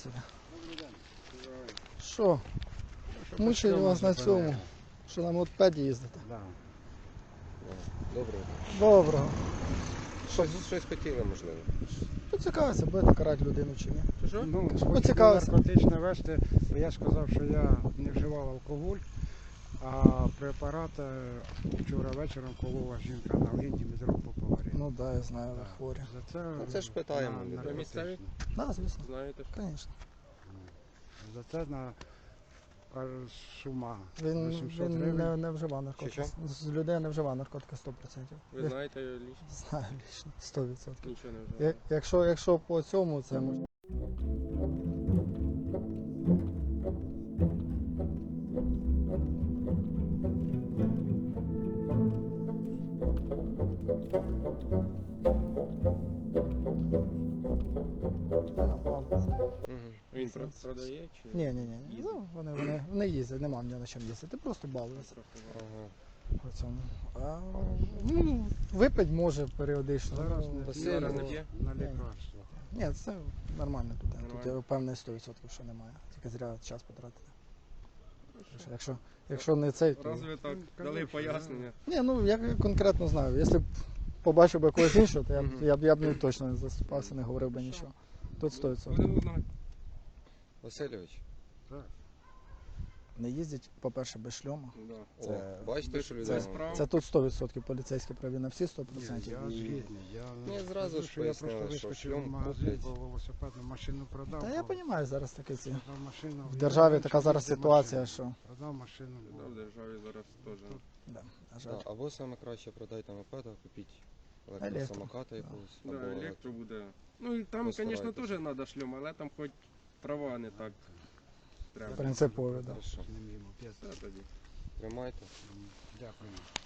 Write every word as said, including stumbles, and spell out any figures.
собі. Що? Мучаю вас на цьому, що на мотопеді їздите. Да. Доброго. Доброго. Щось, щось хотіли, можливо. Поцікавиться, будете карати людину чи ні. Що? Ну, Кажу, хочу поцікавився. наркотичне вести, бо я сказав, що я не вживав алкоголь, а препарат е, вчора вечором колола жінка на Линді без року поварі. Ну так, да, я знаю, ви хворі. За це, Ну, це ж питаємо на людей. наркотичне. Ви місцеві? Так, да, звісно. Знаєте? Звісно. За це на кажуть, сума Він, вісімсот він гривень. не, не вживав наркотики. Що-що? З людей не вживав наркотики сто відсотків. Ви знаєте його лічно? Знаю лічно, сто відсотків. Нічого не Я- вживає. Якщо, якщо по цьому, це може. Угу. Він про- продає чи Ні, ні, ні. Ну, вони, вони, вони їздять, нема в нього на чому їздити, просто балуються Ага. по цьому. А, ну, випить може періодично. Зараз ну, не Та п'є, сильно не на п'є? лікарство. Ні, це нормально тут. Тут Нормально. я впевнений сто відсотків, що немає. Тільки зря час потратити. Якщо, якщо не цей, то... Разве так Ну, дали конечно, пояснення? Ні, ну я конкретно знаю. Якщо б побачив би когось іншого, то я б, Мгм. я б, я б не точно не заступався, не говорив би нічого. Тут сто відсотків. Будемо знати. Васильович, Так. Не їздять, по-перше, без шльома. Да. Це- о, бачите, що Це, людина. справа. це тут сто відсотків поліцейські праві на всі сто Ні, відсотків. я згідний. Я Ні, не зразу скажу, ж що я пояснили, просто що вискочив шльом в магазин, куплять. бо велосипедну машину продав. Та я бо розумію, зараз таке ці. продав машину. В державі Я така зараз їздив ситуація, машиною. що. Продав машину. бо Да, в державі зараз теж. Да, на жаль. Да, або саме краще продайте мопеда, купіть Електро. електросамоката Да. якогось. Да, або електро буде. Ну і там, звісно, Постарайтесь. теж треба шльом, але там хоч права не так треба. Принципові, да. Хорошо. Не мій мопед. Все тоді. Тримайте. Дякую.